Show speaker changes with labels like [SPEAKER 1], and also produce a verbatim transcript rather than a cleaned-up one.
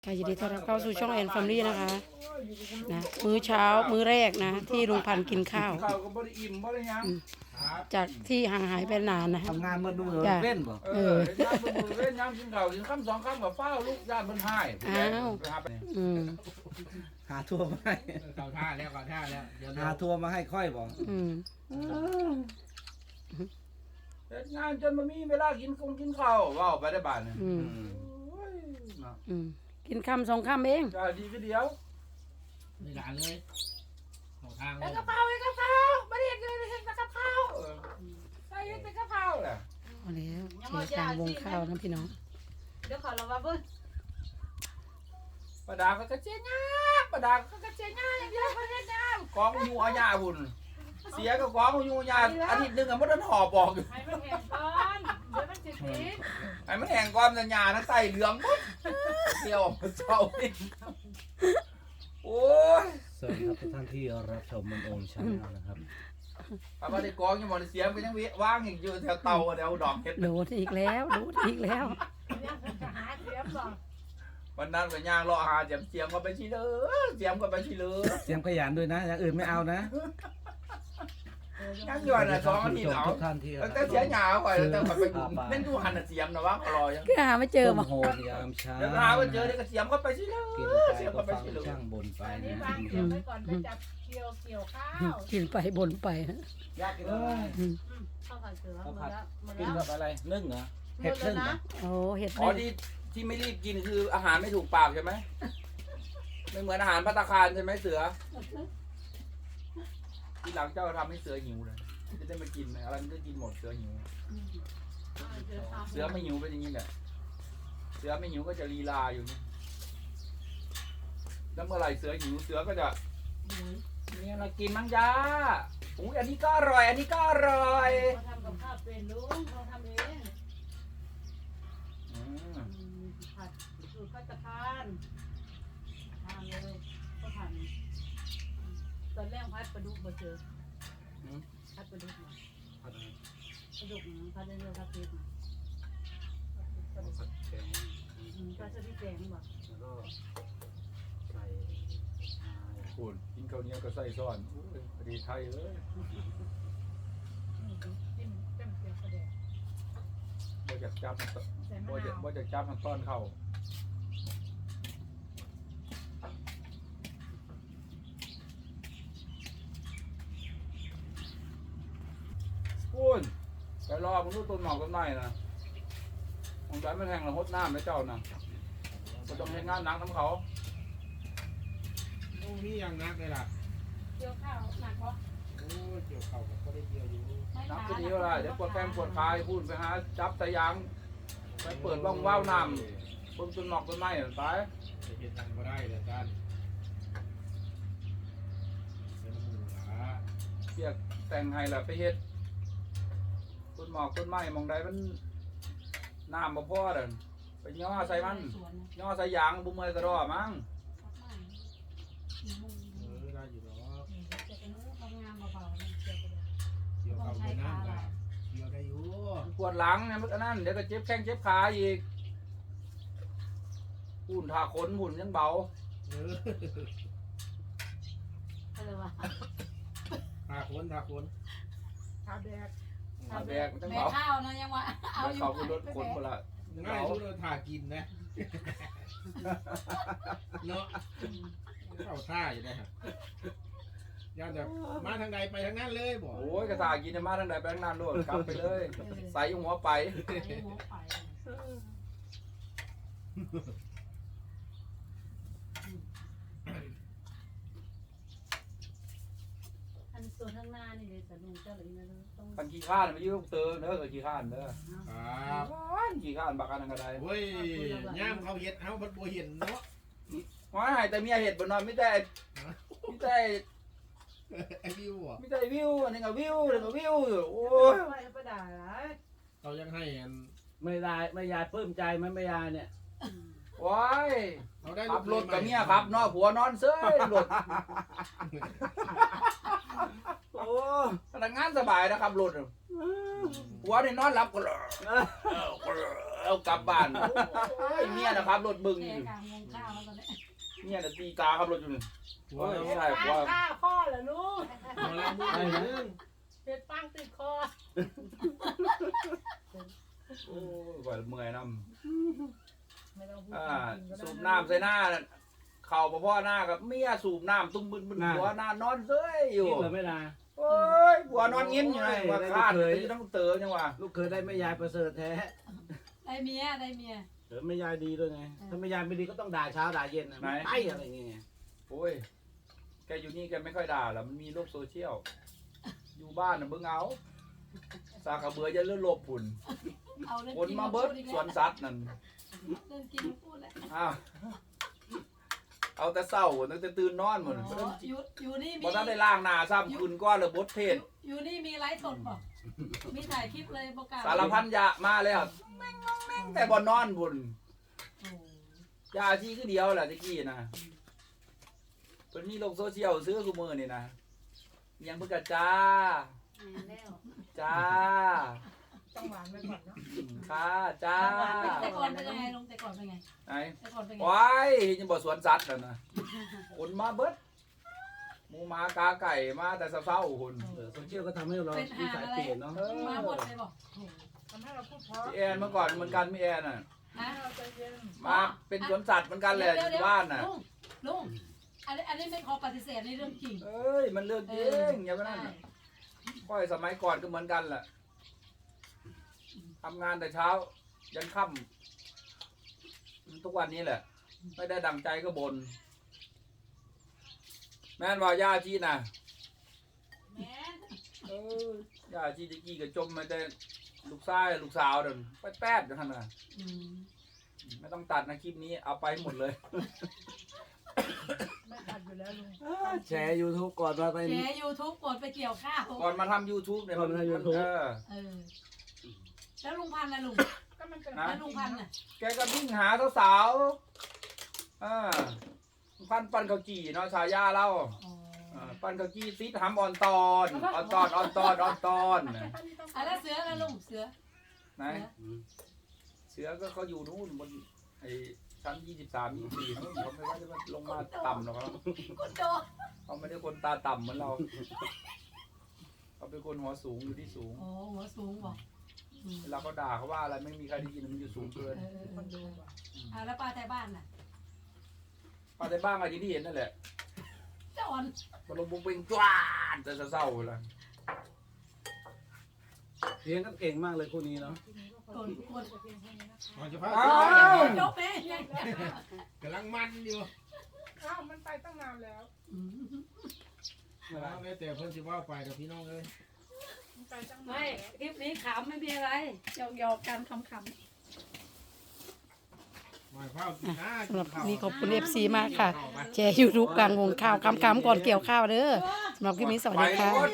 [SPEAKER 1] ค่ะยินดีต้อนรับเข้าสู่ช่องแอนแฟมิลี่นะคะนะมื้อเช้ามื้อแรกนะที่ลุงพันธุ์กินข้าว
[SPEAKER 2] ข้าวก็บ่ได้อิ่มบ่ได้ยัง
[SPEAKER 1] จากที่ห่างหายไปนานนะ
[SPEAKER 3] ทำงานมาดูเหรอ
[SPEAKER 1] จ้ะ
[SPEAKER 3] เล่นบ่
[SPEAKER 2] เออเฮ็ดงานเบิ่งเล่นยามกินข้าวกินคำสองคำกับฟ้าวลูกญาติเพิ่นให้
[SPEAKER 1] อ้าว อืม
[SPEAKER 3] หาทัวร์มาให้
[SPEAKER 4] เข้าท่าแล้วเข้าท่าแล้วเดี๋ยว
[SPEAKER 3] หาทัวร์มาให้ค่อยบ่
[SPEAKER 1] อืม
[SPEAKER 2] เฮ็ดงานจนบ่มีเวลากินคงกินข้าวเว้าไปได้บาดนี่
[SPEAKER 1] อืม
[SPEAKER 2] โอ้ยเนาะ
[SPEAKER 1] อืมกินคำสองคำเอง
[SPEAKER 2] จ้าดีก็เดียว
[SPEAKER 4] นี่หลานเลยเข้าทางเล
[SPEAKER 2] เฮ็ด
[SPEAKER 4] ย
[SPEAKER 2] กะเพราเฮ็ดกะเพราบ่ได้เฮ็ดเลยเฮ็ดแต่กะเพราเออใส่เฮ็ดแต่กะเพราแหละ
[SPEAKER 1] เอาแล้วเจอกลางวงข้าวนะพี่น้อง
[SPEAKER 5] เดี๋ยวขอเราว่าเบิ้ล
[SPEAKER 2] ปลาดาก็กระเจี๊ยง่าปลาดาก็กระเจี๊ยง่าอย่างเดียวบ่เฮ็ดน้ำกองอยู่อาญาพุ่นเสียก็กองอยู่อาญาอาทิตย์หนึงก็บ่ทันหอบออกอยู่
[SPEAKER 5] ให้มันแห้งก่อนเดี๋ยวมันจะติด
[SPEAKER 2] ไอ้มันแห้งก่อนสัญญานะใส่เหลืองหมดเที่ยวเจ้านี่โอ้ย
[SPEAKER 3] สวัสดีครับทุกท่านที่รับชมมันโอมชาแนลนะครับ
[SPEAKER 2] ป้าป้าได้กองยังบ่ได้เสียมก็ยังว่างอีกอยู่แถวเตาแถวดอกเห็ด
[SPEAKER 1] โดดอีกแล้วโดดอีกแล้ว
[SPEAKER 5] เนี่ยมันจะหาเสียมก่อน
[SPEAKER 2] วันนั้นก็ย่างรอหาเสียมเสียมก็ไปชิเลอเสียมก็ไปชิเลอ
[SPEAKER 3] เสียงขยันด้วยนะ อย่างอื่นไม่เอานะ
[SPEAKER 2] ยังอยู่น่ะสองอาทิตย์เอา
[SPEAKER 3] ทุกท่านที่
[SPEAKER 2] ตั้งแต่เสียหยาไปแล้วแต่ไปดูเล่นดูหันน่ะเสียมนะว่าก็รอยัง
[SPEAKER 1] ก็หาไม่เจอ
[SPEAKER 3] ต้ม
[SPEAKER 1] บ่
[SPEAKER 3] โหดยามเช้า
[SPEAKER 2] เดี๋ยวหาว่าเจอเดี๋ยวก็เสียมก็ไปชิเลอ
[SPEAKER 3] กิน
[SPEAKER 2] เสียม
[SPEAKER 3] ไป
[SPEAKER 2] ก็
[SPEAKER 3] ก็
[SPEAKER 2] ไป
[SPEAKER 3] ฟัง
[SPEAKER 2] ชิเลอ
[SPEAKER 3] ช่างบนไป
[SPEAKER 5] อันนี้
[SPEAKER 3] นะ
[SPEAKER 5] วางเสียมไว้ก่อนไปจับเกี่ยวเกี่ยวข้าว
[SPEAKER 1] กินไปบ่นไป
[SPEAKER 2] ยากกินเลย
[SPEAKER 1] อืม
[SPEAKER 5] ข้าวผัดเสือหมดแล้วหมด
[SPEAKER 3] กิน
[SPEAKER 5] แล้ว
[SPEAKER 3] กับอะไรนึ่งเหรอ
[SPEAKER 5] หม
[SPEAKER 3] เห็ด
[SPEAKER 5] ดแล้
[SPEAKER 3] นึ่
[SPEAKER 5] ว
[SPEAKER 3] งเหร
[SPEAKER 5] นะ
[SPEAKER 3] อ
[SPEAKER 1] โอ้เห็ด
[SPEAKER 2] อ๋อ
[SPEAKER 1] นึ่ง
[SPEAKER 2] ที่ที่ไม่รีบกินคืออาหารไม่ถูกปากใช่ไหมไม่เหมือนอาหารภัตตาคารใช่ไหมเสือทีหลังเจ้าทำให้เสือหิวเลยจะได้มากินไหมอะไรมันก็กินหมดเสือหิว เสือไม่หิวเป็นอย่างนี้แหละ เสือไม่หิวก็จะลีลาอยู่นี่แล้วเมื่อไหร่เสือหิวเสือก็จะมีอะไรกินมั้งจ้าอุ้ยอันนี้ก็อร่อย อันนี้ก็อร่อย
[SPEAKER 5] เขาทำกับข้าวเป็นลุงเขาทำเอง
[SPEAKER 2] อืม
[SPEAKER 5] ผัดสูตรพัตตาคารทานเลยก็ทานตอนแรกพัดปลาดุกบ่เจอพัดปลาดุกมาปลาดุกพัดเรื่อยๆพัดพริกมาปลาดุกปลาสลิดแดงบ่
[SPEAKER 3] แล้วก็ใส่
[SPEAKER 2] พูดกินข้าวเหนียวก็ใส่ซ้อนอุ้ยพอดีไทยเลย
[SPEAKER 5] จิ้มเต็มเกลือกระเดะ
[SPEAKER 2] บ่อยากจับมัน
[SPEAKER 5] ใส่มะ
[SPEAKER 2] บ่อยาก
[SPEAKER 5] นาว
[SPEAKER 2] บ่อยากจับมันต้อนเข้าพูนไปรอมึงดูต้นหมอกต้นไม้นะมึงใจไม่แทงละหดน้ำนะเจ้านะก็ต้องให้งานหนังทำเขา
[SPEAKER 4] โอ้นี่ยังนักเลยล่ะ
[SPEAKER 5] เกี่ยวข้าวหนักบ่
[SPEAKER 4] โอ้เกี่ยวเข่าก็ได้เกี่ยวอยู่
[SPEAKER 5] ไม่
[SPEAKER 2] น้ำ
[SPEAKER 5] ห
[SPEAKER 2] ก็
[SPEAKER 5] นา
[SPEAKER 2] ดีว่าเดี๋ยวปวดแข้งปวดขาพูดไปหาจับสายยางไปเปิดว่องว้าวน้ำต้นต้นหมอกต้นไม้ไป
[SPEAKER 4] จะเห็นทันก็ได้เลยจ้านเป็นหมูหลา
[SPEAKER 2] เรียกแต่งให้ละไปเฮ็ดต้นหมอกต้นไม้มองใดมันน้ำบ่พอเด้อไปย่อใส่มันย่อใส่ยางบุ้มเมยกระดอมั้ง
[SPEAKER 4] เออได้อยู่เนาะ
[SPEAKER 5] จะเป็นทำงานเบาๆเกี่ยวกระเดะ
[SPEAKER 4] เกี่ยวเข่าไปน้ำกันเกี่ยวได้อยู่
[SPEAKER 2] ปวดหลังเนี่ยมันก็นั่นเดี๋ยวก็เจ็บแข้งเจ็บขาอีกหุ่นทาขนหุ่นยังเบา
[SPEAKER 4] เออ
[SPEAKER 5] อะไรวะ
[SPEAKER 4] ทาคนทาคน
[SPEAKER 5] ข้าวแดก
[SPEAKER 2] ขาแบกมันจัง
[SPEAKER 5] แม่
[SPEAKER 2] เบา
[SPEAKER 5] ข้าวนะยังวะเอาอยู่
[SPEAKER 2] เขาก็ลดขนคนละ
[SPEAKER 4] ง่ายสุดเลยทากินนะเนาะเข้าท่าอยู่นะฮะย่านจะมาทางใดไปทางนั้นเลยบอก
[SPEAKER 2] โอ้ยกระตากินมาทางใดไปทางนั้นโลดกลับไปเลย ใส่หัวไป
[SPEAKER 5] หัวไปอันส่วนข้างหน้านี่เลยสนุกเจ้าเลยนะต้อง
[SPEAKER 2] คันขี้ข้านมายืมเตอเด้อขี้ข้านเด้อ
[SPEAKER 4] ครับ
[SPEAKER 2] ขี้ข้านบักกันก็ได้
[SPEAKER 4] เฮ้ยย่ามเขาเห็ดเขาพัดบัวเห็นเนาะ
[SPEAKER 2] ว่าให้แต่เมียเห็ดบ่นอนไม่ได้ไม่ได้
[SPEAKER 4] ไอ้วิวอ่ะ
[SPEAKER 2] ไม่ได้วิวอันนี้ก็วิวอันนี้ก็วิวอยู่โอ้ย
[SPEAKER 5] ไปไปด่าไร
[SPEAKER 4] เรายังให้อัน
[SPEAKER 3] ไม่ได้ไม่ยายปลื้มใจไหมไม่ยายเนี่ย
[SPEAKER 2] ว้าย
[SPEAKER 4] เราได้
[SPEAKER 2] ขับรถกับเมียครับเนาะผัวนอนเซ้ยรถโอ้พนักงานสบายนะครับรถผัวนี่นอนหลับก็เลยเอากลับบ้านโอ้ยเมียนะครับรถบึง
[SPEAKER 5] แก
[SPEAKER 2] อยู่
[SPEAKER 5] กลางวงข้าวแล้วตอนนี้
[SPEAKER 2] เมียน่ะตีตาครับรถอยู่นี่
[SPEAKER 4] หัว
[SPEAKER 2] โอ้ย
[SPEAKER 4] เรา
[SPEAKER 2] ใช่ว่า
[SPEAKER 5] ข้าวข้อเหรอลูก
[SPEAKER 4] หัวเรามือหนึ่ง
[SPEAKER 5] เป็ดปังติดคอ
[SPEAKER 2] โอ้ยว่าเมื่อยน้
[SPEAKER 5] ไม่ต้องพูด
[SPEAKER 2] ำอ่าสูบน้ำใส่หน้าน่ะเข่าพ่อหน้ากับเมียสูบน้ำตุ้มบึนบึนหัวหน้านอนเซ้ยอยู่
[SPEAKER 3] คิดเหรอไม่ได้
[SPEAKER 2] โอ้ยหัวนอนยิ้มอยู่ไงว่าคาดเลยต้องเต๋อจังหวะ
[SPEAKER 3] ลูกเคยได้แม่ยายประเสริฐแท้
[SPEAKER 5] ได้เมียได้เมีย
[SPEAKER 3] เออแม่ยายดีด้วยไงถ้าแม่ยายไม่ดีก็ต้องด่าเช้าด่าเย็นนะไม่ไปอะไรอย่างเงี้ย
[SPEAKER 2] โอ้ยแกอยู่นี่แกไม่ค่อยด่าหรอกมันมีโลกโซเชียลอยู่บ้านน่ะเบิ่งเอาสากกระเบือจะเลื่อนลบฝุ่น
[SPEAKER 5] เอาเรื่อง
[SPEAKER 2] คน
[SPEAKER 5] กิน
[SPEAKER 2] มา
[SPEAKER 5] มา
[SPEAKER 2] เบิ
[SPEAKER 5] พู
[SPEAKER 2] ด
[SPEAKER 5] ดอีก
[SPEAKER 2] สว
[SPEAKER 5] แล้ว
[SPEAKER 2] นสัตว์นั่น
[SPEAKER 5] เรื่องกินมาพูดแล้ว
[SPEAKER 2] อ้าวเอาแต่เศร้าตั้งแต่ตื่นนอนหมด
[SPEAKER 5] อ๋ออยู่อยู่นี่มี
[SPEAKER 2] บ่ทันได้ล้างหน้าซ้ำคืนก้อนเลยบดเทศ
[SPEAKER 5] อยู่นี่มีไลฟ์สดป่ะมีถ่ายคลิปเลยประกาศ
[SPEAKER 2] สารพันยะมาแล้วแม่งงองแม่งแต่บ่นอนบุญ
[SPEAKER 5] โอ้
[SPEAKER 2] ยาชีคือเดียวแหละตะกี้นะเพิ่นมีโลกโซเชียลซื้อกูมือนี่นะยังเพิ่นก็จ้า
[SPEAKER 5] แล้ว
[SPEAKER 2] จ้า
[SPEAKER 5] ต้องหวานไว้ก่อนเนาะ
[SPEAKER 2] อืมค่ะจ้า
[SPEAKER 5] แต่ก่อนเป็นยังไงลงแต่ก่อนเป็นไง
[SPEAKER 2] ไหน
[SPEAKER 5] แต่ก่อนเป็นไง
[SPEAKER 2] ว้ายยังบ่สวนสัตว์นั่นนะคนมาเบิดหมูหมากาไก่มาแต่เช้าๆคน
[SPEAKER 3] เออโซเชียลก็ทำให้เรา
[SPEAKER 5] เป็น
[SPEAKER 3] นิ
[SPEAKER 5] หา
[SPEAKER 3] สัย
[SPEAKER 5] อะไร
[SPEAKER 3] เปลี่ยนเนาะ
[SPEAKER 5] มาหมดเลยบอก
[SPEAKER 6] ทำให้เราพูดเพราะ
[SPEAKER 2] พี่แอนเมื่อก่อนเหมือนกันพี่แอนน่ะ
[SPEAKER 5] ฮะ
[SPEAKER 6] ให้เราใจเย็น
[SPEAKER 2] มาเป็นสวนสัตว์เหมือนกันแหละอยู่บ้านน่ะ
[SPEAKER 5] ลุงลุงอันนี้อันนี้ไม่ขอปฏิเสธในเรื่องจริง
[SPEAKER 2] เอ้ยมันเรื่องจริงอย่าไปนั่นน่ะค่อยสมัยก่อนก็เหมือนกันแหละทำงานแต่เช้า ยันค่ำทุกวันนี้แหละ ไม่ได้ดังใจก็บน แม่นว่าย่าจีน่ะ
[SPEAKER 5] แม่น
[SPEAKER 2] เออย่าจีตะกี้ก็จมมาแต่ลูกชายลูกสาวเดินแป๊ดๆอย่างนั้นน่ะ
[SPEAKER 5] อืม
[SPEAKER 2] ไม่ต้องตัดนะคลิปนี้เอาไปหมดเลย
[SPEAKER 6] ไม่ตัดอยู่แล้วลุง
[SPEAKER 3] แชร์ยูทูบก่อนมาเป็น
[SPEAKER 5] แชร์ยูทูบกดไปเกี่ยวข้าว
[SPEAKER 2] ก่อนมาทำ YouTube เนี่ย
[SPEAKER 3] ก่อนมาทำ YouTube
[SPEAKER 2] เออ
[SPEAKER 5] เออ แล้วลุงพันธุ์นะลุง
[SPEAKER 6] ก็มันเป็น
[SPEAKER 2] นะ
[SPEAKER 5] แล้วลุงพันธุ์น่ะ
[SPEAKER 2] แกก็วิ่งหาสาวๆอ่าพันปันเขาวจี่เนาะชายาเล่า
[SPEAKER 5] อ๋อ
[SPEAKER 2] อ่าปันเขาวจี่ซิดหำออนตอนออนตอนออนตอนออนตอนน่ะ
[SPEAKER 5] อ่ะแล้วเสือแล้วลุงเสือ
[SPEAKER 2] ไหนเสือก็เขาอยู่นู่นบนไอ้ชั้นยี่สิบสามยี่สิบสี่นู่นเขาไม่ว่าจะมาลงมาต่ำหรอกครับ
[SPEAKER 5] คุณโด
[SPEAKER 2] เขาไม่ได้คนตาต่ำเหมือนเราเขาเป็นคนหัวสูงอยู่ที่สูง
[SPEAKER 5] โอ้หัวสูงบอกอืม
[SPEAKER 2] เวลาเขาด่าเขาว่าอะไรไม่มีใครได้ยินมันอยู่สูงเกิน
[SPEAKER 5] เออเออเอออ่ะแล้วปลาไทยบ้านน่ะ
[SPEAKER 2] ป้าในบ้านอะไรที่เห็นนั่นแหละ
[SPEAKER 5] เจ้าอ่อน
[SPEAKER 2] มันลงบุ้งเป่งจ้านแต่เศร้าๆเลย
[SPEAKER 3] เลี้ยงกันเก่งมากเลยคู่นี้เนาะ
[SPEAKER 5] โดนทุกคน
[SPEAKER 4] ก่อนจะพัก
[SPEAKER 2] อ้าว
[SPEAKER 5] จบไหม
[SPEAKER 4] กำลังมันอยู่
[SPEAKER 6] อ้าวมันไปตั้งนานแล้ว
[SPEAKER 5] อืม
[SPEAKER 4] เอาเลยแต่เพิ่นสิว่าไปกับพี่น้องเลย
[SPEAKER 6] มันไปตั้งนาน
[SPEAKER 5] ไม่
[SPEAKER 6] แล้ว
[SPEAKER 5] คลิปนี้ขำไม่มีอะไรหยอกหยอกๆกันขำ
[SPEAKER 4] หมายความกินหน้า
[SPEAKER 1] สำหรับคลิปนี้ขอบคุณ เอฟ ซี มากค่ะ แชร์ยูทูบกลางวงข้าวคำๆก่อนเกี่ยวข้าวเด้อสำหรับคลิปนี้สวัส
[SPEAKER 2] ไป
[SPEAKER 1] ดีค่ะ
[SPEAKER 2] โน่น